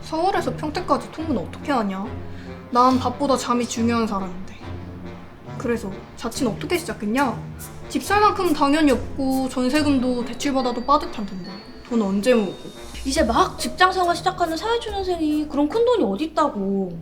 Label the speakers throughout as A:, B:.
A: 서울에서 평택까지 통근 어떻게 하냐? 난 밥보다 잠이 중요한 사람인데. 그래서 자취는 어떻게 시작했냐? 집 살 만큼은 당연히 없고 전세금도 대출받아도 빠듯할 텐데 돈 언제 모으고.
B: 이제 막 직장생활 시작하는 사회초년생이 그런 큰돈이 어딨다고.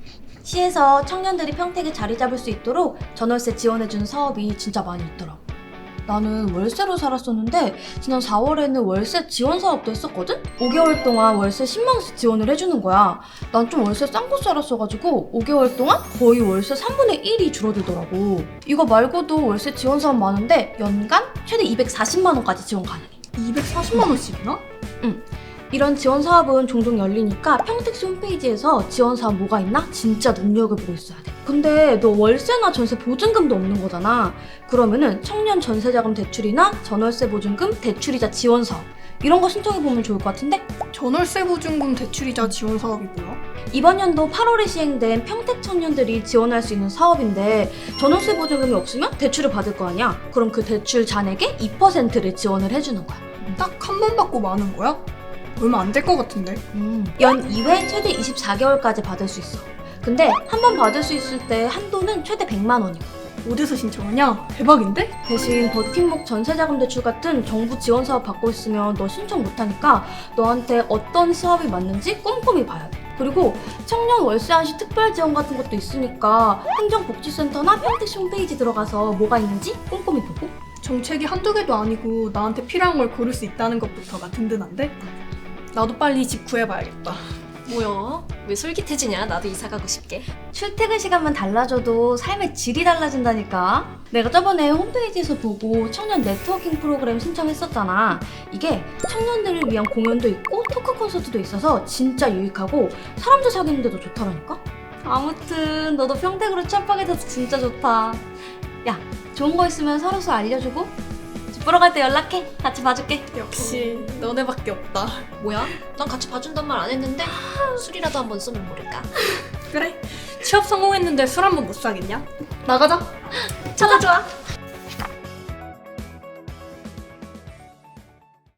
B: 시에서 청년들이 평택에 자리 잡을 수 있도록 전월세 지원해주는 사업이 진짜 많이 있더라고. 나는 월세로 살았었는데 지난 4월에는 월세 지원 사업도 했었거든? 5개월 동안 월세 10만 원씩 지원을 해주는 거야. 난 좀 월세 싼 곳 살았어가지고 5개월 동안 거의 월세 3분의 1이 줄어들더라고. 이거 말고도 월세 지원 사업 많은데 연간 최대 240만 원까지 지원 가능해.
A: 240만 원씩이나?
B: 응. 이런 지원 사업은 종종 열리니까 평택시 홈페이지에서 지원 사업 뭐가 있나 진짜 눈여겨보고 있어야 돼. 근데 너 월세나 전세 보증금도 없는 거잖아. 그러면은 청년 전세자금 대출이나 전월세 보증금 대출이자 지원 사업 이런 거 신청해보면 좋을 것 같은데?
A: 전월세 보증금 대출이자 지원 사업이 뭐야?
B: 이번 연도 8월에 시행된 평택 청년들이 지원할 수 있는 사업인데 전월세 보증금이 없으면 대출을 받을 거 아니야? 그럼 그 대출 잔액의 2%를 지원을 해주는 거야.
A: 딱 한 번 받고 마는 거야? 얼마 안 될 것 같은데?
B: 연 2회 최대 24개월까지 받을 수 있어. 근데 한 번 받을 수 있을 때 한도는 최대 100만 원이고.
A: 어디서 신청하냐? 대박인데?
B: 대신 버팀목 전세자금 대출 같은 정부 지원 사업 받고 있으면 너 신청 못하니까 너한테 어떤 사업이 맞는지 꼼꼼히 봐야 돼. 그리고 청년 월세 한시 특별 지원 같은 것도 있으니까 행정복지센터나 평택시 홈페이지 들어가서 뭐가 있는지 꼼꼼히 보고.
A: 정책이 한두 개도 아니고 나한테 필요한 걸 고를 수 있다는 것부터가 든든한데? 나도 빨리 집 구해봐야겠다.
C: 뭐야? 왜 솔깃해지냐? 나도 이사 가고 싶게.
B: 출퇴근 시간만 달라져도 삶의 질이 달라진다니까. 내가 저번에 홈페이지에서 보고 청년 네트워킹 프로그램 신청했었잖아. 이게 청년들을 위한 공연도 있고 토크 콘서트도 있어서 진짜 유익하고 사람들 사귀는데도 좋더라니까. 아무튼 너도 평택으로 취업하게 돼서 진짜 좋다. 야, 좋은 거 있으면 서로서 알려주고 집 보러 갈 때 연락해. 같이 봐줄게.
A: 역시 너네밖에 없다.
C: 뭐야? 난 같이 봐준단 말 안 했는데 술이라도 한번 쏘면 모를까?
A: 그래, 취업 성공했는데 술 한 번 못 사겠냐? 나가자.
B: 좋아.